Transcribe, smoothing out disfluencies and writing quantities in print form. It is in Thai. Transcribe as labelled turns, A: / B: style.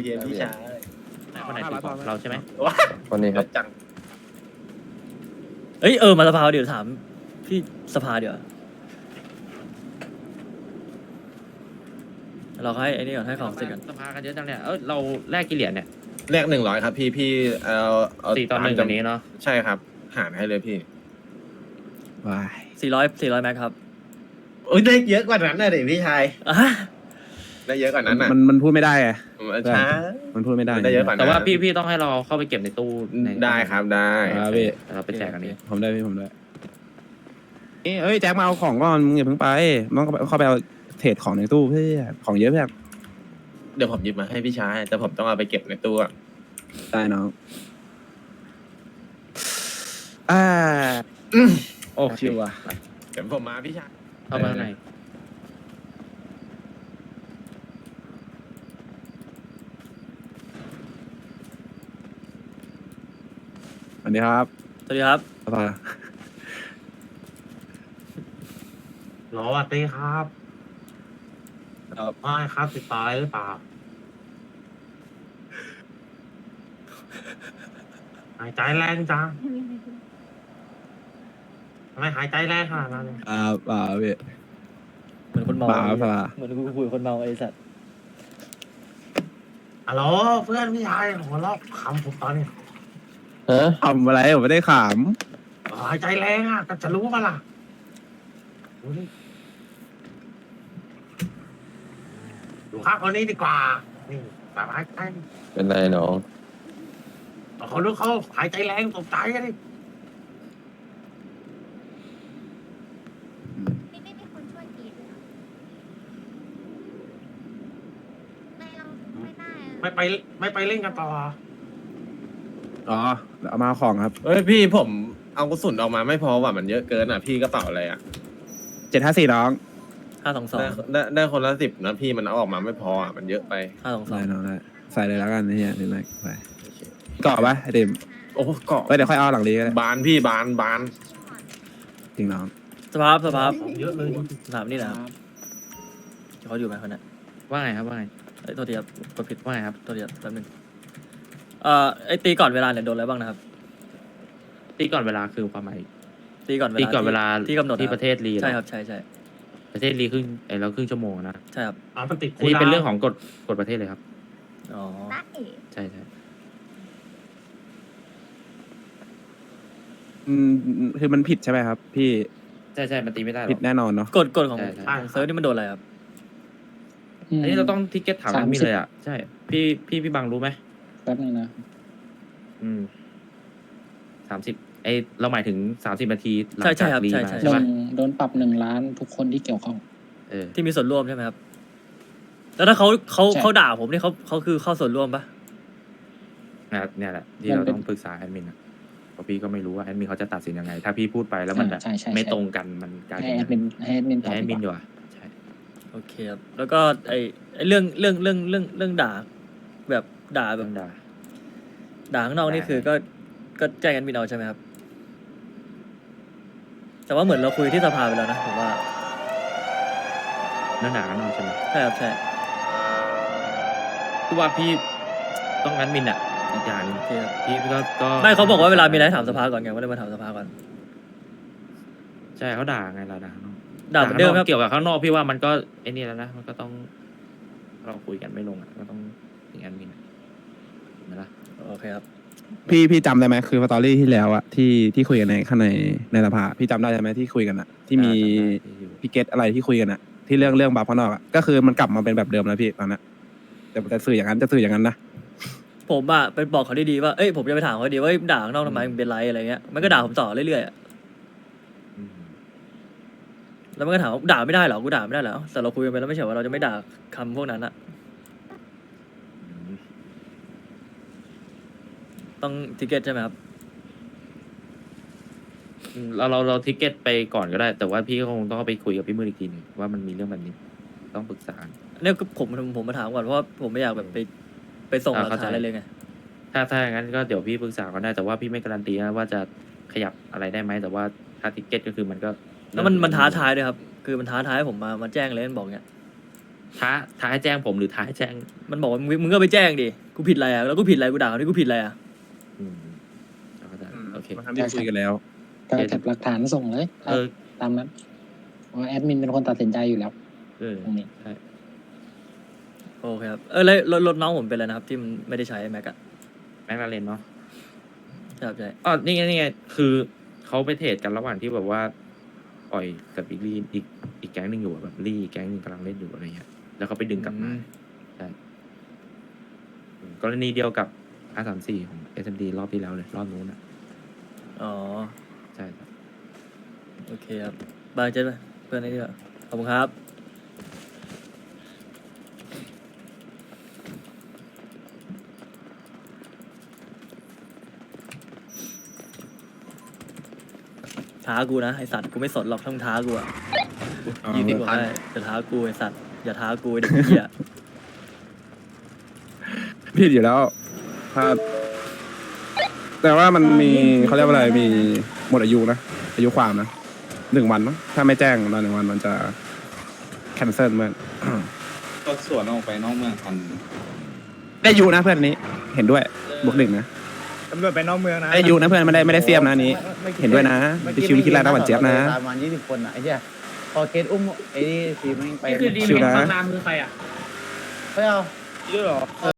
A: ย็นพี่ชาย
B: คนไหนถือของเราใช่ไหม
A: ว้า
C: คนนี้ครับ
A: จัง
D: เอ้ยมาสภาเดี๋ยวถามพี่สภาเดี๋ยวเราให้ไอ้นี่ก่อนให้ของเสร็จกัน
B: สภากันเยอะจังเนี่ยเราแลกกี่เหรียญเนี่ย
A: แรก100ครับพี่เอา
B: 4 ต่อ 1อันนี้เนาะ
A: ใช่ครับหารให้เลยพี่
C: ว้าย
D: 400แม็กครับ
A: โอ้ยได้เยอะกว่านั้นนะเด็พี่ชาย
D: อ่ะ
A: ได้เยอะกว่านั้นน่ะ
C: มันพูดไม่ได้ไง
A: ช้า
C: มันพูดไม่ได้
A: ได้เยอะกว่านั้น
B: แต่ว่าพี่ต้องให้เราเข้าไปเก็บในตู้
A: ได้ครับได้
C: ครับพี่
B: เราไปแจกกันนี้
C: ผมได้พี่ผมได้เอ้ยแจ็คมาเอาของก่อนมึงอย่าเพิ่งไปต้องเข้าไปเอาเทรดของในตู้เพื่อของเยอะเพื่อน
A: เดี๋ยวผมหยิบมาให้พี่ชายแต่ผมต้องเอาไปเก็บในตู้อะ
C: ได้น้องโอ้ชิวอ่ะ
A: เดี๋ยวผมมาพี่ชาย
B: เข้ามาข้างใน
C: สวัสดีครับ
D: สวัสดีครับ
C: สภา
E: สวัสดีครับไม่ครับติดต่ออะไรหรือเปล่า หายใจแรงจังทำไมหายใจแรงขนาดนั้น
C: พี่
D: เหมือนคนเมา
C: ป่าสภา
D: เหมือนกูคุยกับคนเมาไอ้สัตว์
E: ฮัลโหลเพื่อนพี่ชายหัวเราะขำผมตอนนี้
C: ฮะทำอะไรผมไม่ได้ข
E: หายใจแรงอ่ะก็จะรู้ปะล่ะดูดิดูข้างคนนี้ดีกว่า นี่แบบหายใจ
C: เป็นไรน้อง
E: เขาดูเขาหายใจแรงตกใจกันดิ
F: ไม่มีคนช่วยกรีดเลยเหรอไม่เราไม่ได้อะ
E: ไม่ไปเล่นกันต่อ
C: อ๋อเอามาของครับ
A: เฮ้ยพี่ผมเอากระสุนออกมาไม่พอว่ะมันเยอะเกินอ่ะพี่กระเป๋าอะไรอ่ะ
C: 754น้อง
A: ได้คนละ10นะพี่มันเอาออกมาไม่พออ่ะมันเยอะไป
C: ได้น้องได้ใส่เลยแล้วกันนี่นี่เลยใส่เกาะปะไอเดม
A: โอ้เกาะ
C: เดี๋ยวค่อยเอาหลังนี้ก็ได้
A: บานพี่บาน
C: จริงน้อง
D: สภาพ
E: ของเยอะเลย
D: ถามนี่นะครับเขาอยู่ไหมคนนั้น
B: ว่าไงครับว่าไง
D: เอ้ยโทษทีครับกดผิด
B: ว่าไงครับ
D: โทษทีครับแป๊บนึงไอ้ตีก่อนเวลาเนี่ยโดนอะไรบ้างนะครับ
B: ตีก่อนเวลาคือความหมาย
D: ตีก่อนเวลา
B: ตีก่อนเวลา
D: ที่กำหนด
B: ที่ประเทศลี
D: ใช่ครับใช่
B: ประเทศลีครึ่งเราครึ่งชั่วโมงนะ
D: ใช่ครับ
E: มันติด
B: อันนี้เป็นเรื่องของกฎประเทศเลยครับ
D: อ๋อ
F: ได้
B: ใช่ใช่
C: คือมันผิดใช่ไหมครับ พี่
B: ใช่มันตีไม่ได้หร
C: ผิ
B: อ
C: ด
B: ก
C: แน่นอนเนาะ
D: กฎของ
B: ใช่ใช่
D: เซิร์ฟนี่มันโดนอะไรครับ
B: อันนี้เราต้องทิกเก็ตถามมีเลยอ่ะใช่พี่บังรู้ไหม
G: แป๊บนึงนะ
B: 30เราหมายถึง30 นาทีหลัง
D: ใช่
B: จาก
D: ครับ
B: รี
D: ใช่
B: มา
D: ใช่
B: ใช่ปะ
G: โดนปรับ1 ล้านทุกคนที่เกี่ยวข้อง
D: ที่มีส่วนร่วมใช่ไหมครับ แล้วถ้าเขา
G: ใช่
D: เขาด่าผมนี่เขาคือเข้าส่วนร่วมปะ
B: เนี่ยแหละที่เราต้องปรึกษาแอดมินอะเพราะพี่ก็ไม่รู้ว่าแอดมินเขาจะตัดสินยังไง ถ้าพี่พูดไปแล้วมันแบบ
G: ใช่ใช่
B: ไม่
G: ใช่
B: ตรงกันมันกลาย
G: ให้
B: เป็น
G: แอดมินตอบ
B: แอด
G: ดี
B: มิน
G: ก
B: ดี
G: ว่า
B: กว่าใช่
D: โอเคครับ แล้วก็ไอ้เรื่องด่า แบบด่าแบ
B: เรื่อบ งด่า
D: ข้างนอกนี่
B: ได้
D: คือก็แจ้งกันบินเอาใช่ไหมครับ แต่ว่าเหมือนเราคุยที่สภาไปแล้วนะผมว่า
B: เรื่องด่ากันนอกใช่ไหม
D: ใช่ครับใช่
B: คือว่าพี่ต้องแอดมินอะอีกอย่างหนึง
D: โอเคครับ
B: พี่ก็
D: ไม่เขาบอกว่าเวลามีอะไรถามสภาก่อนไงว่าเลยมาถามสภาก่อน
B: ใช่เขาด่าไงเราด่าข้างนอก
D: ด่าเหมือนเดิมครับ
B: เกี่ยวกับข้างนอกพี่ว่ามันก็ไอ้นี่แล้วนะมันก็ต้องเราคุยกันไม่ลงอะก็ต้องถึงแอดมินอะเห็นไหมล่ะ
D: โอเคครับ
C: พี่จำได้ไหมคือสตอรี่ที่แล้วอะที่คุยกันในข้างในสภาพี่จำได้ใช่ไหมที่คุยกันอะที่มีพี่เกตอะไรที่คุยกันอะที่เรื่องบัฟข้างนอกอะก็คือมันกลับมาเป็นแบบเดิมแล้วพี่ตอนนั้นแต่จะสื่ออย่างนั้นนะ
D: ผมอะไปบอกเขาดีๆว่า เอ้ยผมจะไปถามเขาดีว่าเอ้ยด่าข้างนอกทำไมมันเป็นไรอะไรเงี้ย มันก็ด่าผมต่อเรื่อยๆอะ
B: อืม
D: แล้วมันก็ถามว่าด่าไม่ได้เหรอ กูด่าไม่ได้เหรอ แต่เราคุยกันไปแล้วไม่ใช่ว่าเราจะไม่ด่าคำพวกนั้นอะ
B: อืม
D: ต้องทิเก็ตใช่ไหมครับ
B: เราทิกเก็ตไปก่อนก็ได้ แต่ว่าพี่ก็คงต้องไปคุยกับพี่มืออีกทีหนึงว่ามันมีเรื่องแบบนี้ ต้องปรึกษา
D: เนี่ยก็ผมมาถามก่อนเพราะว่าผมไม่อยากแบบไปส่งหลักฐานอะไรเลยไง
B: ถ้าอย่างนั้นก็เดี๋ยวพี่ปรึกษาก็ได้แต่ว่าพี่ไม่การันตีนะว่าจะขยับอะไรได้ไหมแต่ว่าถ้าทิกเก็ตก็คือมันก็
D: แล้วมันท้าทายด้วยครับ คือมันท้าทายให้ผมมาแจ้งเลยมันบอกเงี้ย
B: ท้าให้แจ้งผมหรือท้าให้แจ้ง
D: มันบอกว่ามึงก็ไปแจ้งดิกูผิดอะไรอ่ะแล้วกูผิดอะไรกูด่าเขาที่กูผิดอะไรอ่ะ
B: อืมเอาเข้าใจโอเค
C: มันทำที่คุยกันแล้ว
G: ก็เก็บหลักฐานส่งเลย
B: เออ
G: ตามนั้นเพราะแอดมินเป็นคนตัดสินใจอยู่แล้ว
B: เออ
G: ตรงนี้
B: ใช่
D: โอเคครับแล้วรถน้องผมเป็นอะไรนะครับ ที่มันไม่ได้ใช้แม็กอะ
B: แม็กลาเรนเนาะ
D: ครับใช่
B: อ๋อนี่ไงคือเขาไปเทรดกันระหว่างที่แบบว่าปล่อยกับอีกแก๊งหนึ่งอยู่อะแบบลี่แก๊งหนึ่งกำลังเล่นอยู่อะไรเงี้ยแล้วเขาไปดึงกลับมาใช่กรณีเดียวกับ R34 ของ SMD รอบที่แล้วเลยรอบนู้นอ่ะ
D: อ๋อ
B: ใช่ครับ
D: โอเคครับบายเจ๊ไปเพื่อนไอ้นี่ขอบคุณครับท้ากูนะไอสัตว์กูไม่สนหรอกถ้ามึงท้ากูอะ20 กว่าได้จะท้ากูไอสัตว์อย่าท้ากูไอ้เด็กเหี้ย
C: ผิดอยู่แล้วถ้าแต่ว่ามันมีเขาเรียกว่าอะไรมีหมดอายุนะอายุความนะ1 วันมั้งถ้าไม่แจ้งตอน1 วันมันจะแคนเซิลเมื่อน
H: ก็สวนออกไปนอกเมืองทัน
C: ได้อายุนะเพื่อนอันนี้เห็นด้วยบวก1นะ
I: ตำรวจไปนอกเมืองนะ
C: ได้อายุนะเพื่อนไม่ได้เสียมนะอันนี้ เห็นด้วยนะพี่ชิวคิดอะไรนะหวานเจี๊ยบนะ
I: ประมาณ20 คนอ่ะไอ้เหี้ยพอเกตอุ้มไอ้นี่ทีมแม่งไป
C: ชิวนะ
E: นามคือใครอ่ะ
I: ไม่เอา
E: ชื่อหรอ